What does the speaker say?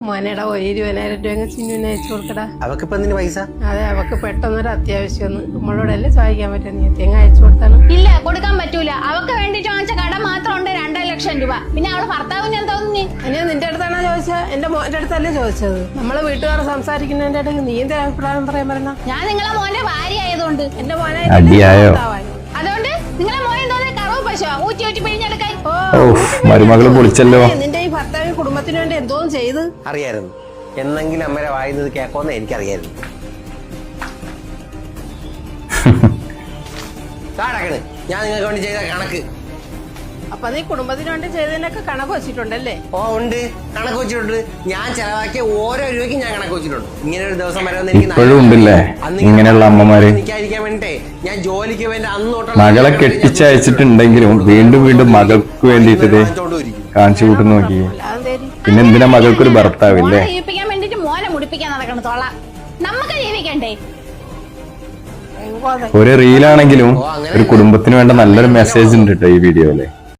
മോനെടാ 20,000 രൂപ ചിന്നുവിനെ അയച്ചു കൊടുക്കടാ. അവക്കിപ്പോ എന്തിന് പൈസ? അതെ, അവക്ക് പെട്ടെന്നൊരു അത്യാവശ്യം നമ്മളോടല്ലേ ചോദിക്കാൻ പറ്റും. നീ തേങ്ങ അയച്ചു കൊടുത്താണ്. ഇല്ല, കൊടുക്കാൻ പറ്റൂല. അവക്ക് വേണ്ടിട്ട് വാങ്ങിച്ച കട മാത്രം ഉണ്ട് 2 ലക്ഷം രൂപ. പിന്നെ അവളെ ഭർത്താവിന് എന്താ തോന്നി? ഞാൻ നിന്റെ അടുത്താണോ ചോദിച്ചത്? എന്റെ മോന്റെ അടുത്തല്ലേ ചോദിച്ചത്. നമ്മളെ വീട്ടുകാർ സംസാരിക്കുന്നതിന്റെ ഇടയ്ക്ക് നീ എന്താ അഭിപ്രായം പറയാൻ പറഞ്ഞ? ഞാൻ നിങ്ങളെ മോന്റെ ഭാര്യ ആയതുകൊണ്ട്. എന്റെ മോനെ അതുകൊണ്ട് നിങ്ങളെ മോനെ തോന്നി കറവ് പശുവാ ഊറ്റി ഊറ്റി പിഴിഞ്ഞെടുക്കാൻ. മരുമകള് പൊളിച്ചല്ലോ. നിന്റെ ഈ ഭർത്താവിന് കുടുംബത്തിന് വേണ്ടി എന്തോന്നും ചെയ്ത് അറിയായിരുന്നു. എന്നെങ്കിലും അമ്മരെ വായുന്നത് കേക്കോന്ന് എനിക്കറിയായിരുന്നു. കാടക്കണ് ഞാൻ നിങ്ങൾക്ക് വേണ്ടി ചെയ്ത കണക്ക്. അപ്പൊ നീ കുടുംബത്തിന് വേണ്ടി ചെയ്തതിനൊക്കെ കണക്ക് വെച്ചിട്ടുണ്ടല്ലേ? ഓ ഉണ്ട്, കണക്ക് വെച്ചിട്ടുണ്ട്. ഞാൻ ചെലവാക്കിയ ഓരോ രൂപയ്ക്ക് ഞാൻ കണക്ക് വെച്ചിട്ടുണ്ട്. ഇങ്ങനെ ഒരു ദിവസം വരെ ഇപ്പോഴും ഉണ്ടല്ലേ ഇങ്ങനെയുള്ള അമ്മമാര്. എനിക്കായിരിക്കാൻ വേണ്ടിട്ടേ ഞാൻ ജോലിക്ക് വേണ്ടി അന്ന് മകളെ കെട്ടിച്ചയച്ചിട്ടുണ്ടെങ്കിലും വീണ്ടും വീണ്ടും മകൾക്ക് വേണ്ടിട്ട് കാണിച്ചു കൂട്ടി നോക്കി. പിന്നെ എന്തിനാ മകൾക്കൊരു ഭർത്താവില്ലേ? ജീവിപ്പിക്കാൻ വേണ്ടിട്ട് മോനെ മുടിപ്പിക്കാൻ നടക്കണം തോള. നമുക്ക് ജീവിക്കണ്ടേ? ഒരു റീലാണെങ്കിലും ഒരു കുടുംബത്തിന് വേണ്ട നല്ലൊരു മെസ്സേജ് ഉണ്ട് കേട്ടോ ഈ വീഡിയോയില്.